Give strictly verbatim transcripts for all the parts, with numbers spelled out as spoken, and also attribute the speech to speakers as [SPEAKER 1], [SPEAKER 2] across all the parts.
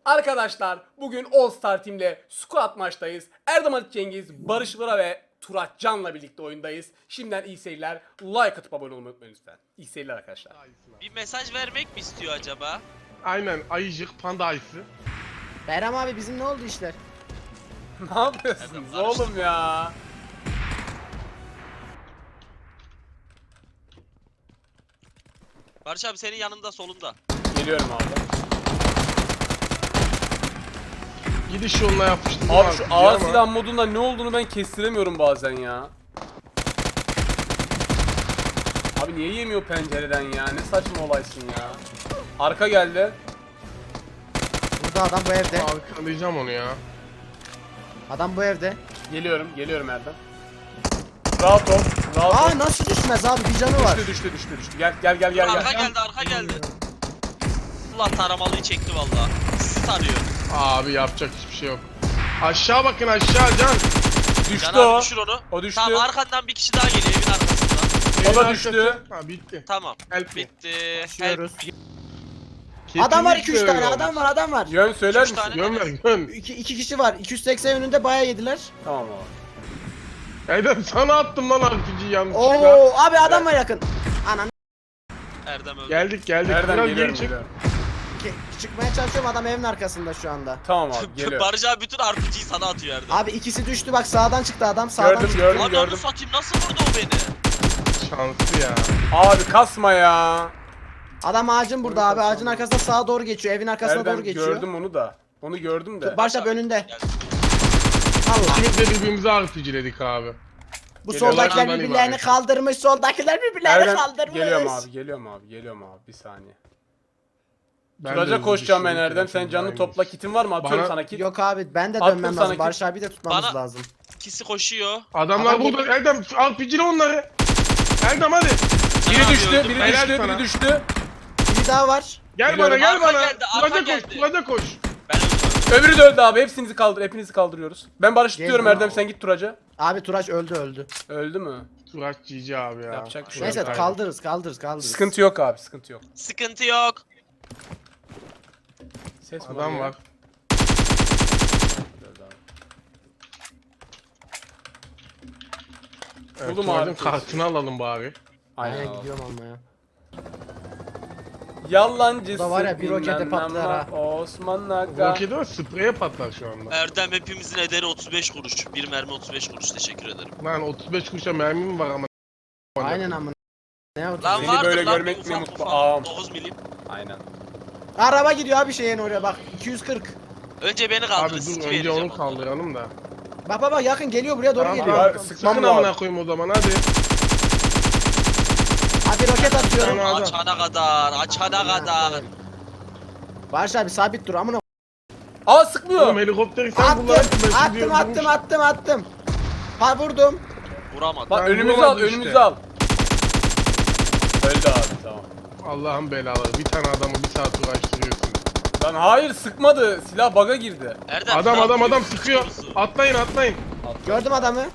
[SPEAKER 1] Arkadaşlar bugün All Star Team'le squad maçtayız. Erdem Ali Cengiz, Barış Vıra ve Turat Can'la birlikte oyundayız. Şimdiden iyi seyirler. Like atıp abone olmayı unutmayın lütfen. İyi seyirler arkadaşlar.
[SPEAKER 2] Bir mesaj vermek mi istiyor acaba?
[SPEAKER 3] Aynen ayıcık panda ayısı.
[SPEAKER 4] Bayram abi bizim ne oldu işler?
[SPEAKER 1] Ne yapıyorsunuz oğlum ya?
[SPEAKER 2] Barış abi senin yanında solunda.
[SPEAKER 1] Geliyorum abi.
[SPEAKER 3] Gidiş yoluna yapıştım.
[SPEAKER 1] Abi şu ağır silah modunda ne olduğunu ben kestiremiyorum bazen ya. Abi niye yemiyor pencereden ya? Ne saçma olaysın ya. Arka geldi.
[SPEAKER 4] Burada adam bu evde.
[SPEAKER 3] Arkalayacağım onu ya.
[SPEAKER 4] Adam bu evde.
[SPEAKER 1] Geliyorum, geliyorum Erdem. Rahat ol, rahat ol.
[SPEAKER 4] Aa nasıl düşmez abi, bir canı var.
[SPEAKER 1] Düştü, düştü, düştü, düştü. Gel, gel, gel, gel,
[SPEAKER 2] Arka
[SPEAKER 1] gel.
[SPEAKER 2] geldi arka geldi. Allah taramalıyı çekti vallahi. Sizi tarıyor.
[SPEAKER 3] Abi yapacak hiçbir şey yok. Aşağı bakın aşağı Can.
[SPEAKER 1] Düştü
[SPEAKER 2] Can
[SPEAKER 1] o.
[SPEAKER 2] abi düşür onu.
[SPEAKER 1] O düştü.
[SPEAKER 2] Tamam arkandan bir kişi daha geliyor evin arkasından.
[SPEAKER 1] O da
[SPEAKER 3] Evin
[SPEAKER 1] düştü.
[SPEAKER 3] arkası. Ha bitti.
[SPEAKER 2] Tamam.
[SPEAKER 3] Help me.
[SPEAKER 2] Bitti.
[SPEAKER 4] Düşüyoruz.
[SPEAKER 2] Help.
[SPEAKER 4] Adam var, iki üç
[SPEAKER 3] Kesinlikle
[SPEAKER 4] tane
[SPEAKER 3] öyle
[SPEAKER 4] adam var, adam var.
[SPEAKER 1] Yön söyler
[SPEAKER 2] Üç
[SPEAKER 1] misin?
[SPEAKER 2] tane.
[SPEAKER 3] Yön ver yön.
[SPEAKER 4] İki, iki kişi var. iki yüz seksen önünde bayağı yediler.
[SPEAKER 1] Tamam abi.
[SPEAKER 3] Erdem sana attım lan R P G'yi yanlışlıkla.
[SPEAKER 4] Oo abi adam var yakın. Anan
[SPEAKER 2] Erdem öldü.
[SPEAKER 3] Geldik geldik.
[SPEAKER 1] Nereden
[SPEAKER 3] Biraz
[SPEAKER 1] geliyorum?
[SPEAKER 3] geri çık.
[SPEAKER 1] geliyorum.
[SPEAKER 4] çıkmaya çalışıyorum, adam evin arkasında şu anda.
[SPEAKER 1] Tamam abi, geliyorum.
[SPEAKER 2] Barış abi bütün R P G'yi sana atıyor Erdem.
[SPEAKER 4] Abi ikisi düştü, bak sağdan çıktı adam, sağdan
[SPEAKER 1] Gördüm,
[SPEAKER 4] çıktı.
[SPEAKER 1] gördüm,
[SPEAKER 2] Lan onu
[SPEAKER 1] gördüm.
[SPEAKER 2] satayım nasıl vurdu o beni?
[SPEAKER 3] Şanslı ya.
[SPEAKER 1] Abi kasma ya.
[SPEAKER 4] Adam ağacın burada abi, ağacın arkasında sağa doğru geçiyor, evin arkasına
[SPEAKER 1] Erdem
[SPEAKER 4] doğru geçiyor.
[SPEAKER 1] gördüm onu da. Onu gördüm de.
[SPEAKER 4] Barış abi önünde.
[SPEAKER 2] Gel.
[SPEAKER 4] Allah.
[SPEAKER 3] İkimiz de birbirimize R P G'ledik abi.
[SPEAKER 4] Bu
[SPEAKER 1] Geliyor,
[SPEAKER 4] soldakiler
[SPEAKER 3] ondan
[SPEAKER 4] birbirlerini
[SPEAKER 3] ibaret.
[SPEAKER 4] kaldırmış, soldakiler birbirlerini
[SPEAKER 1] Erdem
[SPEAKER 4] kaldırmış.
[SPEAKER 1] geliyorum abi, geliyorum abi, geliyorum abi. Bir saniye.
[SPEAKER 3] Ben de
[SPEAKER 1] Turaca
[SPEAKER 3] hızlı
[SPEAKER 1] koşacağım ben
[SPEAKER 3] düşüyorum,
[SPEAKER 1] Erdem. Sen
[SPEAKER 3] telefonum
[SPEAKER 1] canını
[SPEAKER 3] aynı.
[SPEAKER 1] topla. Kitin var mı? Atıyorum
[SPEAKER 3] Bana-
[SPEAKER 1] sana kit.
[SPEAKER 4] Yok abi, ben de
[SPEAKER 1] Attım
[SPEAKER 4] dönmem
[SPEAKER 1] sana
[SPEAKER 4] lazım.
[SPEAKER 1] ki-
[SPEAKER 4] Barış abi de tutmamız
[SPEAKER 2] Bana-
[SPEAKER 4] lazım.
[SPEAKER 2] İkisi koşuyor.
[SPEAKER 3] Adamlar
[SPEAKER 4] Adam
[SPEAKER 3] burada. Erdem R P G'li onları. Erdem hadi.
[SPEAKER 1] Biri
[SPEAKER 2] Abi
[SPEAKER 1] düştü,
[SPEAKER 2] öldüm.
[SPEAKER 1] biri
[SPEAKER 3] Helal
[SPEAKER 1] düştü,
[SPEAKER 3] sana.
[SPEAKER 1] biri düştü.
[SPEAKER 4] Bir daha var.
[SPEAKER 3] Gel
[SPEAKER 1] Geliyorum.
[SPEAKER 3] bana gel
[SPEAKER 2] Arka
[SPEAKER 3] bana.
[SPEAKER 2] geldi, arka
[SPEAKER 3] Turaca koş.
[SPEAKER 2] geldi.
[SPEAKER 3] Turaca koş.
[SPEAKER 2] Ben öldüm.
[SPEAKER 1] Öbürü de öldü abi. Hepsinizi kaldır, hepinizi kaldırıyoruz. Ben Barış
[SPEAKER 4] Gel
[SPEAKER 1] tutuyorum
[SPEAKER 4] ya.
[SPEAKER 1] Erdem, sen git Turaca.
[SPEAKER 4] Abi Turaç öldü öldü.
[SPEAKER 1] Öldü mü?
[SPEAKER 3] Turaç G G abi ya.
[SPEAKER 1] Yapacak bir şey
[SPEAKER 4] Neyse
[SPEAKER 1] yok.
[SPEAKER 3] Aynen.
[SPEAKER 4] kaldırırız kaldırırız kaldırırız.
[SPEAKER 1] Sıkıntı yok abi, sıkıntı yok.
[SPEAKER 2] Sıkıntı yok.
[SPEAKER 1] Ses mi
[SPEAKER 3] Adam
[SPEAKER 1] ya?
[SPEAKER 3] var.
[SPEAKER 1] Öldü abi.
[SPEAKER 3] Evet,
[SPEAKER 1] Buldum
[SPEAKER 3] Turaç'ın
[SPEAKER 1] abi.
[SPEAKER 3] kartını alalım bari.
[SPEAKER 1] Aynen
[SPEAKER 4] Aynen
[SPEAKER 1] abi.
[SPEAKER 4] gidiyorum almaya.
[SPEAKER 1] Yalancısı
[SPEAKER 4] Bu da var ya, bir rokete
[SPEAKER 1] bilmem
[SPEAKER 4] patlar
[SPEAKER 1] ama
[SPEAKER 4] ha.
[SPEAKER 1] Osman Aga.
[SPEAKER 3] Roketi var spreye patlar şu anda.
[SPEAKER 2] Erdem hepimizin ederi otuz beş kuruş. Bir mermi otuz beş kuruş teşekkür ederim.
[SPEAKER 3] Lan otuz beş kuruşa mermim var ama.
[SPEAKER 4] Aynen amına. Ne oldu?
[SPEAKER 2] Lan
[SPEAKER 1] Beni
[SPEAKER 2] vardır
[SPEAKER 1] böyle
[SPEAKER 2] lan
[SPEAKER 1] görmek
[SPEAKER 2] bir
[SPEAKER 1] mi
[SPEAKER 2] ufak
[SPEAKER 1] mutlu?
[SPEAKER 2] ufak.
[SPEAKER 1] Ağam.
[SPEAKER 2] dokuz milim.
[SPEAKER 1] Aynen.
[SPEAKER 4] Araba gidiyor abi şeyin oraya bak. iki yüz kırk.
[SPEAKER 2] Önce beni
[SPEAKER 3] Abi
[SPEAKER 2] kaldırın.
[SPEAKER 3] dur
[SPEAKER 2] siki
[SPEAKER 3] önce
[SPEAKER 2] vereceğim
[SPEAKER 3] onu
[SPEAKER 2] ondan.
[SPEAKER 3] kaldıralım da.
[SPEAKER 4] Bak bak bak yakın geliyor, buraya doğru
[SPEAKER 3] Tamam,
[SPEAKER 4] geliyor.
[SPEAKER 3] tamam.
[SPEAKER 1] Abi, sıkmam
[SPEAKER 3] Sıkın
[SPEAKER 1] lazım.
[SPEAKER 3] amına koyayım o zaman hadi.
[SPEAKER 4] Abi roket atıyorum.
[SPEAKER 3] Tamam.
[SPEAKER 2] Açana kadar, açana kadar.
[SPEAKER 4] Barış abi sabit dur amına.
[SPEAKER 1] Aa sıkmıyor.
[SPEAKER 3] Oğlum helikopteri sen
[SPEAKER 4] Attım
[SPEAKER 3] kullandın. ben şimdi
[SPEAKER 4] attım attım
[SPEAKER 3] öldürmüş.
[SPEAKER 4] attım attım. Ha vurdum.
[SPEAKER 2] Vuramadım.
[SPEAKER 1] Bak
[SPEAKER 3] Ben
[SPEAKER 1] önümüzü al,
[SPEAKER 3] vuramadım
[SPEAKER 1] önümüzü
[SPEAKER 3] işte.
[SPEAKER 1] al. Öldü abi, tamam.
[SPEAKER 3] Allah'ın belaları. Bir tane adamı bir saat uğraştırıyorsun.
[SPEAKER 1] Lan hayır sıkmadı. Silah bug'a girdi.
[SPEAKER 2] Erdem,
[SPEAKER 3] Adam
[SPEAKER 2] ne
[SPEAKER 3] adam adam
[SPEAKER 2] yapıyorsun?
[SPEAKER 3] sıkıyor. Atlayın atlayın.
[SPEAKER 4] Gördüm adamı.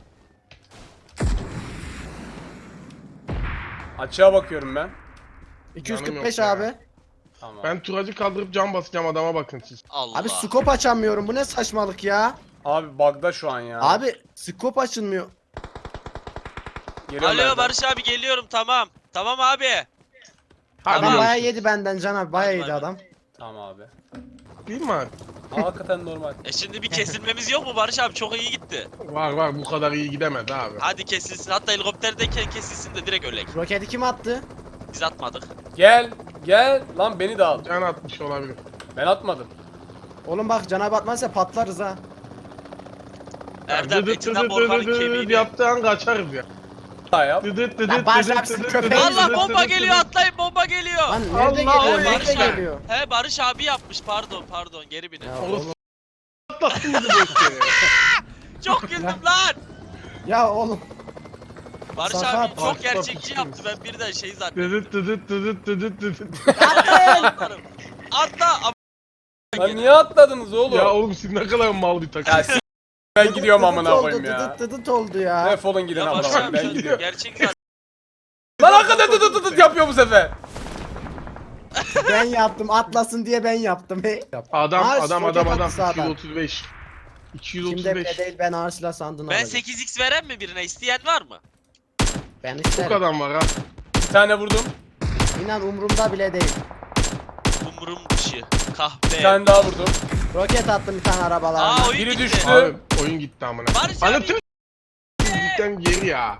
[SPEAKER 1] Açığa bakıyorum ben.
[SPEAKER 4] iki yüz kırk
[SPEAKER 3] Canım
[SPEAKER 4] beş
[SPEAKER 3] yok ya.
[SPEAKER 4] abi.
[SPEAKER 1] Tamam.
[SPEAKER 3] Ben turacı kaldırıp cam basacağım adama bakın siz.
[SPEAKER 2] Allah.
[SPEAKER 4] Abi scope açamıyorum. Bu ne saçmalık ya?
[SPEAKER 1] Abi bug'da şu an ya.
[SPEAKER 4] Abi scope açılmıyor.
[SPEAKER 1] Geliyorum
[SPEAKER 2] Alo
[SPEAKER 1] Erdem.
[SPEAKER 2] Barış abi geliyorum tamam. Tamam abi.
[SPEAKER 3] Hadi
[SPEAKER 4] Adam
[SPEAKER 2] Tamam.
[SPEAKER 4] bayağı yedi benden Can abi. Bayağı
[SPEAKER 2] Hadi
[SPEAKER 4] yedi
[SPEAKER 2] bay
[SPEAKER 4] adam.
[SPEAKER 1] Tamam abi.
[SPEAKER 3] Değil mi abi?
[SPEAKER 1] Aa, hakikaten normal.
[SPEAKER 2] E şimdi bir kesilmemiz yok mu Barış abi? Çok iyi gitti.
[SPEAKER 3] Var var bu kadar iyi gidemez abi.
[SPEAKER 2] Hadi kesilsin. Hatta helikopterdeyken kesilsin de direkt ölek.
[SPEAKER 4] Roketi kim attı?
[SPEAKER 2] Biz atmadık.
[SPEAKER 1] Gel. Gel. Lan beni de al.
[SPEAKER 3] Can atmış olabilir.
[SPEAKER 1] Ben atmadım.
[SPEAKER 4] Oğlum bak Can abi atmazsa patlarız ha.
[SPEAKER 2] Erdem
[SPEAKER 3] Dıdıt
[SPEAKER 2] etinden
[SPEAKER 3] dıdıt
[SPEAKER 2] korkanın
[SPEAKER 3] dıdıt dıdıt
[SPEAKER 2] kemiğini.
[SPEAKER 3] yaptığı an kaçarız ya.
[SPEAKER 1] Daha yap.
[SPEAKER 3] Dıdıt dıdıt
[SPEAKER 4] Lan Barış
[SPEAKER 3] dıdıt
[SPEAKER 4] abi,
[SPEAKER 3] dıdıt
[SPEAKER 4] köpeği-
[SPEAKER 3] dıdıt
[SPEAKER 2] Allah
[SPEAKER 3] dıdıt
[SPEAKER 2] bomba
[SPEAKER 3] dıdıt
[SPEAKER 2] geliyor
[SPEAKER 3] dıdıt.
[SPEAKER 2] atlayın bomba geliyor.
[SPEAKER 4] Lan nerede
[SPEAKER 3] Allah
[SPEAKER 4] geliyor?
[SPEAKER 3] Allah.
[SPEAKER 4] Nerede
[SPEAKER 2] Barış abi.
[SPEAKER 4] geliyor?
[SPEAKER 2] He Barış abi yapmış pardon pardon geri binin.
[SPEAKER 4] Ya
[SPEAKER 3] Oğlum
[SPEAKER 4] oğlum.
[SPEAKER 3] atlattın bizi bu işe.
[SPEAKER 2] Çok güldüm lan.
[SPEAKER 4] Ya oğlum.
[SPEAKER 2] Barış
[SPEAKER 4] Sakat.
[SPEAKER 2] abi çok
[SPEAKER 3] Atla
[SPEAKER 2] gerçekçi
[SPEAKER 3] pişkin.
[SPEAKER 2] yaptı ben birden şey zannettim.
[SPEAKER 3] Dıdıt dıdıt dıdıt dıdıt dıdıt.
[SPEAKER 2] Atlarım. Atla. Am-
[SPEAKER 1] Lan niye atladınız oğlum?
[SPEAKER 3] Ya oğlum siz ne kadar mal bir takım.
[SPEAKER 1] Ya s- ben gidiyorum
[SPEAKER 4] Dıdıt
[SPEAKER 1] amına
[SPEAKER 4] oldu,
[SPEAKER 1] koyayım ya.
[SPEAKER 4] Dıdıt dıdıt oldu ya.
[SPEAKER 1] Defolun gidin
[SPEAKER 2] Ya
[SPEAKER 1] amına
[SPEAKER 2] Barış
[SPEAKER 1] koyayım,
[SPEAKER 2] abi
[SPEAKER 1] ben
[SPEAKER 2] sen
[SPEAKER 1] gidiyorum.
[SPEAKER 2] gerçek zaten.
[SPEAKER 1] Lan hakikaten tıt tıt tıt yapıyor bu sefer.
[SPEAKER 4] Ben yaptım. Atlasın diye ben yaptım. He.
[SPEAKER 3] Adam
[SPEAKER 4] Aa,
[SPEAKER 3] adam
[SPEAKER 4] roket
[SPEAKER 3] adam
[SPEAKER 4] attı
[SPEAKER 3] adam
[SPEAKER 4] sağdan.
[SPEAKER 3] iki yüz otuz beş.
[SPEAKER 4] Kimde bile
[SPEAKER 3] iki yüz otuz beş.
[SPEAKER 4] değil ben ağır silah sandığını
[SPEAKER 2] Ben
[SPEAKER 4] alacağım.
[SPEAKER 2] sekiz x veren mi birine? İsteyen var mı?
[SPEAKER 4] Ben
[SPEAKER 3] Çok
[SPEAKER 4] isterim.
[SPEAKER 3] adam var ha.
[SPEAKER 1] Bir tane vurdum.
[SPEAKER 4] İnan umurumda bile değil.
[SPEAKER 2] Umurum dışı. Kahpe.
[SPEAKER 1] Bir tane daha vurdum.
[SPEAKER 4] Roket attım bir tane arabalarına.
[SPEAKER 2] Aa oyun
[SPEAKER 1] Biri
[SPEAKER 2] gitti.
[SPEAKER 1] düştü.
[SPEAKER 3] Abi oyun gitti amına.
[SPEAKER 2] Barış
[SPEAKER 3] Ana
[SPEAKER 2] abi.
[SPEAKER 3] tüm gitten geri ya.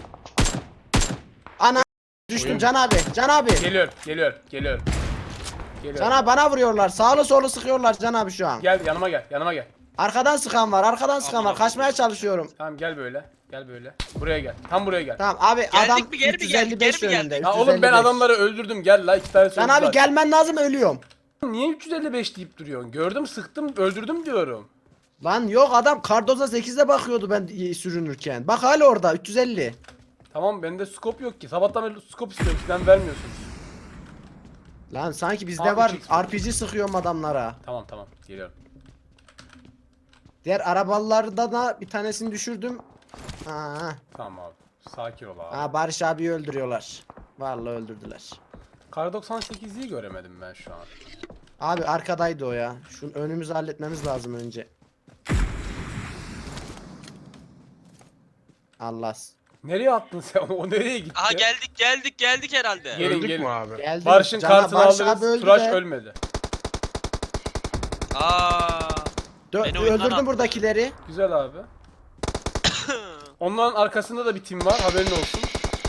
[SPEAKER 4] Ana düştüm
[SPEAKER 3] Oyun-
[SPEAKER 4] Can abi. Can abi.
[SPEAKER 1] Geliyor, geliyor, geliyor. Geliyor.
[SPEAKER 4] Can abi bana vuruyorlar. Sağlı solu sıkıyorlar Can abi şu an.
[SPEAKER 1] Gel yanıma gel, yanıma gel.
[SPEAKER 4] Arkadan sıkan var. Arkadan sıkan var.
[SPEAKER 2] Aman
[SPEAKER 4] Kaçmaya çalışıyorum.
[SPEAKER 1] Tamam gel böyle. Gel böyle. Buraya gel. Tam buraya gel.
[SPEAKER 4] Tamam abi
[SPEAKER 2] Geldik
[SPEAKER 4] adam
[SPEAKER 2] mi, geri mi
[SPEAKER 4] üç yüz
[SPEAKER 2] geldik,
[SPEAKER 4] elli beş
[SPEAKER 2] geri mi
[SPEAKER 4] yönünde.
[SPEAKER 2] geldik?
[SPEAKER 1] Ya oğlum ben
[SPEAKER 4] üç yüz elli beş.
[SPEAKER 1] adamları öldürdüm. Gel la iki tane
[SPEAKER 4] Can
[SPEAKER 1] sözü
[SPEAKER 4] abi
[SPEAKER 1] var.
[SPEAKER 4] gelmen lazım ölüyorum.
[SPEAKER 1] Niye üç yüz elli beş deyip duruyorsun? Gördüm, sıktım, öldürdüm diyorum.
[SPEAKER 4] Lan yok adam Cardoza sekizde bakıyordu ben sürünürken. Bak hala orada üç yüz elli.
[SPEAKER 1] Tamam bende scope yok ki. Sabahtan beri scope istiyorum. Sizden vermiyorsun.
[SPEAKER 4] Lan sanki bizde
[SPEAKER 1] Aa,
[SPEAKER 4] var
[SPEAKER 1] üç x.
[SPEAKER 4] R P G sıkıyorum adamlara.
[SPEAKER 1] Tamam tamam. Geliyorum.
[SPEAKER 4] Diğer arabalarda da bir tanesini düşürdüm. Aa,
[SPEAKER 1] Tamam abi. Sakin ol abi.
[SPEAKER 4] aa Barış abiyi öldürüyorlar. Vallahi öldürdüler.
[SPEAKER 1] Kar doksan sekizliği göremedim ben şu an.
[SPEAKER 4] Abi arkadaydı o ya. Şunu önümüzü halletmemiz lazım önce. Allah.
[SPEAKER 1] Nereye attın sen? O nereye gitti?
[SPEAKER 2] Aha geldik geldik geldik herhalde.
[SPEAKER 1] Gelin,
[SPEAKER 3] Öldük
[SPEAKER 1] gelin.
[SPEAKER 3] mü abi?
[SPEAKER 4] Geldi.
[SPEAKER 1] Barış'ın
[SPEAKER 4] Can-
[SPEAKER 1] kartını
[SPEAKER 4] Barış
[SPEAKER 1] alırız.
[SPEAKER 4] abi öldü
[SPEAKER 1] Turaş
[SPEAKER 4] de.
[SPEAKER 1] ölmedi.
[SPEAKER 2] Aa.
[SPEAKER 4] Dö-
[SPEAKER 2] Beni oyundan
[SPEAKER 4] öldürdüm
[SPEAKER 2] attı.
[SPEAKER 4] buradakileri.
[SPEAKER 1] Güzel abi. Onların arkasında da bir tim var. Haberin olsun.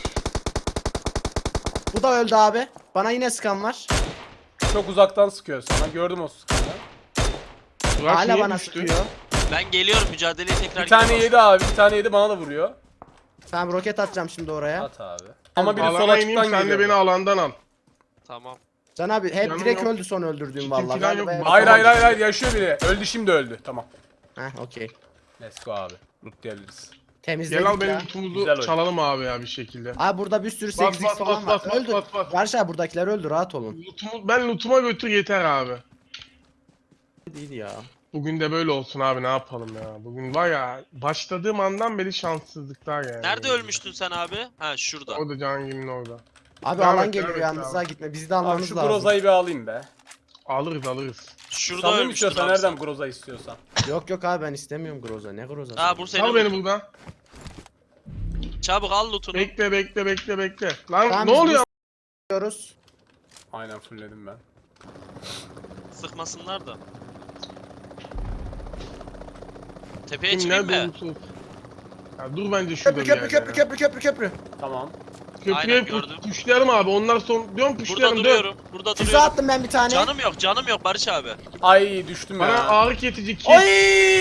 [SPEAKER 4] Bu da öldü abi. Bana yine sıkan var.
[SPEAKER 1] Çok uzaktan sıkıyor sana. Gördüm o sıkanı.
[SPEAKER 3] Burak
[SPEAKER 4] Hala
[SPEAKER 3] niye
[SPEAKER 4] bana
[SPEAKER 3] düştü?
[SPEAKER 4] sıkıyor.
[SPEAKER 2] Ben geliyorum mücadeleye tekrar
[SPEAKER 1] Bir tane
[SPEAKER 2] gidiyorum.
[SPEAKER 1] yedi abi. Bir tane yedi bana da vuruyor.
[SPEAKER 4] Tamam roket atacağım şimdi oraya.
[SPEAKER 1] At abi. Ama biri sol
[SPEAKER 3] Alana ineyim
[SPEAKER 1] açıktan
[SPEAKER 3] sen de
[SPEAKER 1] geliyor.
[SPEAKER 3] beni alandan al.
[SPEAKER 2] Tamam.
[SPEAKER 4] Can abi hep
[SPEAKER 3] Canım
[SPEAKER 4] direkt
[SPEAKER 3] yok.
[SPEAKER 4] öldü son öldürdüğüm
[SPEAKER 3] Kitim
[SPEAKER 4] vallahi.
[SPEAKER 3] falan yok.
[SPEAKER 4] Galiba-
[SPEAKER 1] Hayır hayır hayır hayır yaşıyor biri. Öldü şimdi öldü. Tamam.
[SPEAKER 4] Heh okey.
[SPEAKER 1] Let's go abi. Lootlayabiliriz.
[SPEAKER 4] Temizledik
[SPEAKER 3] Gel al benim
[SPEAKER 4] ya.
[SPEAKER 3] lootumuzu
[SPEAKER 1] Güzel oyun.
[SPEAKER 3] çalalım abi ya bir şekilde.
[SPEAKER 4] Abi burada bir sürü
[SPEAKER 3] Bas,
[SPEAKER 4] sekiz x
[SPEAKER 3] bas,
[SPEAKER 4] falan
[SPEAKER 3] bas,
[SPEAKER 4] var.
[SPEAKER 3] bas,
[SPEAKER 4] Öldür.
[SPEAKER 3] bas, bas.
[SPEAKER 4] Barış abi buradakiler öldü rahat olun.
[SPEAKER 3] Lootumu, ben lootuma götür yeter abi.
[SPEAKER 4] Değil ya.
[SPEAKER 3] Bugün de böyle olsun abi ne yapalım ya. Bugün var ya başladığım andan beri şanssızlıklar yani.
[SPEAKER 2] Nerede ölmüştün sen abi? Ha şurada.
[SPEAKER 3] O da Cangil'in orada.
[SPEAKER 4] Abi
[SPEAKER 3] Devam
[SPEAKER 4] alan
[SPEAKER 3] et,
[SPEAKER 4] geliyor
[SPEAKER 3] devam et,
[SPEAKER 4] yalnız
[SPEAKER 3] devam
[SPEAKER 4] ha gitme. Bizi de
[SPEAKER 1] Abi
[SPEAKER 4] almanız
[SPEAKER 1] şu
[SPEAKER 4] lazım.
[SPEAKER 1] Groza'yı bir alayım be.
[SPEAKER 3] Alırız alırız.
[SPEAKER 2] Şurada
[SPEAKER 1] Sanırım
[SPEAKER 2] ölmüştün
[SPEAKER 1] istiyorsan
[SPEAKER 2] abi
[SPEAKER 1] nereden
[SPEAKER 2] sen.
[SPEAKER 1] Groza istiyorsan.
[SPEAKER 4] Yok yok abi ben istemiyorum Groza. Ne Groza?
[SPEAKER 2] Ha bu seni
[SPEAKER 3] Al
[SPEAKER 2] vur.
[SPEAKER 3] beni buradan.
[SPEAKER 2] Çabuk al lootunu.
[SPEAKER 3] Bekle bekle bekle bekle. Lan
[SPEAKER 4] Tamam,
[SPEAKER 3] ne
[SPEAKER 4] biz
[SPEAKER 3] oluyor?
[SPEAKER 4] Diyoruz.
[SPEAKER 1] Aynen fullledim ben.
[SPEAKER 2] Sıkmasınlar da. Tepeye
[SPEAKER 3] Kim
[SPEAKER 2] çıkayım
[SPEAKER 3] nerede
[SPEAKER 2] mı?
[SPEAKER 3] olursa olsun. Ya dur bence şurada
[SPEAKER 4] Köprü
[SPEAKER 3] bir
[SPEAKER 4] köprü
[SPEAKER 3] yerde
[SPEAKER 4] köprü
[SPEAKER 3] ya.
[SPEAKER 4] köprü köprü köprü.
[SPEAKER 1] Tamam.
[SPEAKER 3] Köprüye
[SPEAKER 2] Aynen,
[SPEAKER 3] pu-
[SPEAKER 2] gördüm.
[SPEAKER 3] puşlayalım abi. Onlar son diyorum
[SPEAKER 2] Burada
[SPEAKER 3] puşlayalım. Dön.
[SPEAKER 2] duruyorum. Burada
[SPEAKER 4] Füze
[SPEAKER 2] duruyorum.
[SPEAKER 4] attım ben bir tane.
[SPEAKER 2] Canım yok canım yok Barış abi.
[SPEAKER 1] Ay düştüm
[SPEAKER 3] Bana
[SPEAKER 1] ya.
[SPEAKER 3] ağrı kesici kit.
[SPEAKER 4] Oy!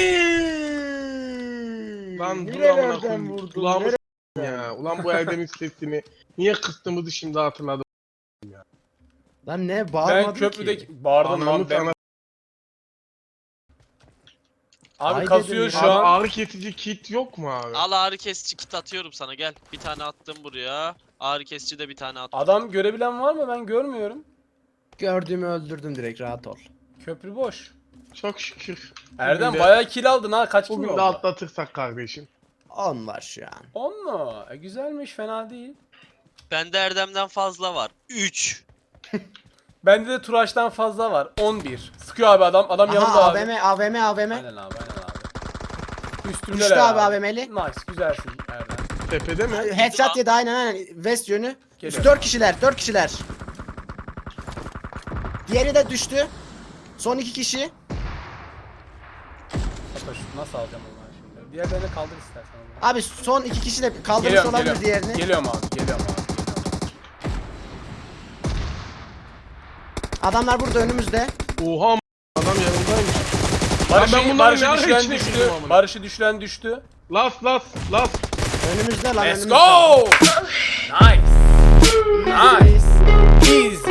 [SPEAKER 3] Lan dur amına
[SPEAKER 4] Nerelerden
[SPEAKER 3] koyayım.
[SPEAKER 4] vurdun?
[SPEAKER 3] Kulağımı
[SPEAKER 4] Nere-
[SPEAKER 3] s**tim ya. Ulan bu Erdem'in sesini niye kıstığımızı şimdi hatırladım.
[SPEAKER 4] Lan ne
[SPEAKER 1] Ben
[SPEAKER 4] bağırmadın
[SPEAKER 1] köprüdeki
[SPEAKER 4] ki.
[SPEAKER 1] bağırdım
[SPEAKER 3] Anamı
[SPEAKER 1] lan ben.
[SPEAKER 3] sana-
[SPEAKER 1] Abi
[SPEAKER 4] Ay
[SPEAKER 1] kasıyor
[SPEAKER 4] dedim
[SPEAKER 1] şu
[SPEAKER 4] ya.
[SPEAKER 3] Abi
[SPEAKER 1] an.
[SPEAKER 3] ağrı kesici kit yok mu abi?
[SPEAKER 2] Al ağrı kesici kit atıyorum sana gel. Bir tane attım buraya. Ağrı kesici de bir tane attım.
[SPEAKER 1] Adam görebilen var mı? Ben görmüyorum.
[SPEAKER 4] Gördüğümü öldürdüm direkt rahat ol.
[SPEAKER 1] Köprü boş.
[SPEAKER 3] Çok şükür.
[SPEAKER 1] Erdem
[SPEAKER 3] Bugün de-
[SPEAKER 1] bayağı kill aldın ha. Kaç kill
[SPEAKER 3] Bugün
[SPEAKER 1] oldu?
[SPEAKER 3] de atlatırsak kardeşim.
[SPEAKER 4] on var şu an.
[SPEAKER 1] on mu? E, güzelmiş fena değil.
[SPEAKER 2] Bende Erdem'den fazla var. üç.
[SPEAKER 1] Bende de Turaç'tan fazla var. on bir. Sıkıyor abi adam. Adam yanımda
[SPEAKER 4] Aha
[SPEAKER 1] abi.
[SPEAKER 4] A V M A V M A V M.
[SPEAKER 1] Aynen abi aynen abi. Üstümde
[SPEAKER 4] Düştü abi A V M'li.
[SPEAKER 1] Nice güzelsin Erdem.
[SPEAKER 3] Tepede mi?
[SPEAKER 4] Headshot yedi aynen aynen. West yönü.
[SPEAKER 1] Geliyor.
[SPEAKER 4] dört kişiler dört kişiler. Diğeri de düştü. Son iki kişi.
[SPEAKER 1] Hatta şu nasıl alacağım onları şimdi? Diğerlerini kaldır istersen. onları.
[SPEAKER 4] Abi son iki kişi de kaldırmış
[SPEAKER 1] Geliyorum
[SPEAKER 4] olabilir
[SPEAKER 1] geliyorum.
[SPEAKER 4] diğerini.
[SPEAKER 1] Geliyorum abi geliyorum abi. Geliyorum.
[SPEAKER 4] Adamlar burada önümüzde.
[SPEAKER 3] Oha m- adam yanımdaymış.
[SPEAKER 1] Barış'ı,
[SPEAKER 3] ben bunları
[SPEAKER 1] Barış'ı
[SPEAKER 3] ne ara
[SPEAKER 1] düşüren
[SPEAKER 3] içine
[SPEAKER 1] düştü.
[SPEAKER 3] girdim amına?
[SPEAKER 1] Barış'ı düşüren düştü.
[SPEAKER 3] Las las las.
[SPEAKER 4] Önümüzde lan
[SPEAKER 1] Let's
[SPEAKER 4] önümüzde.
[SPEAKER 1] go! Nice. Nice. Easy.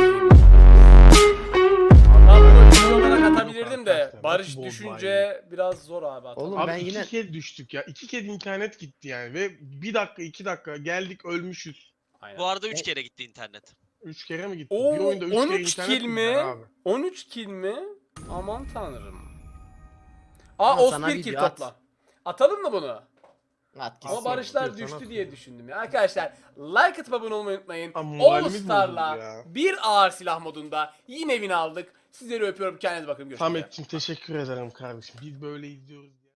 [SPEAKER 1] Allah bunu video olarak atabilirdim de
[SPEAKER 3] Arkadaşlar,
[SPEAKER 1] Barış
[SPEAKER 3] nasıl bomba
[SPEAKER 1] düşünce biraz zor abi atalım.
[SPEAKER 4] Oğlum
[SPEAKER 3] Abi
[SPEAKER 4] ben
[SPEAKER 3] iki
[SPEAKER 4] yine
[SPEAKER 3] kez düştük ya. İki kez internet gitti yani ve bir dakika iki dakika geldik ölmüşüz.
[SPEAKER 1] Aynen.
[SPEAKER 2] Bu arada üç kere gitti internet.
[SPEAKER 3] Üç kere mi gitti?
[SPEAKER 1] Oo,
[SPEAKER 3] bir oyunda üç kere
[SPEAKER 1] on üç
[SPEAKER 3] internet
[SPEAKER 1] kill
[SPEAKER 3] gider
[SPEAKER 1] mi?
[SPEAKER 3] abi.
[SPEAKER 1] on üç kill mi? Aman tanrım. Aa
[SPEAKER 4] Ama sana
[SPEAKER 1] Ospir
[SPEAKER 4] bir
[SPEAKER 1] kill
[SPEAKER 4] at.
[SPEAKER 1] topla. Atalım mı bunu?
[SPEAKER 4] At
[SPEAKER 1] Ama
[SPEAKER 4] gitsin.
[SPEAKER 1] barışlar
[SPEAKER 3] Yeter,
[SPEAKER 1] düştü
[SPEAKER 3] sana
[SPEAKER 1] diye düşündüm ya. Arkadaşlar like atıp abone olmayı unutmayın.
[SPEAKER 3] Ama
[SPEAKER 1] All
[SPEAKER 3] moralimiz
[SPEAKER 1] Star'la
[SPEAKER 3] bozuldu ya.
[SPEAKER 1] bir ağır silah modunda yine win aldık. Sizleri öpüyorum. Kendinize bakın. Görüşmek üzere.
[SPEAKER 3] Samet'cim teşekkür ederim kardeşim. Biz böyle izliyoruz.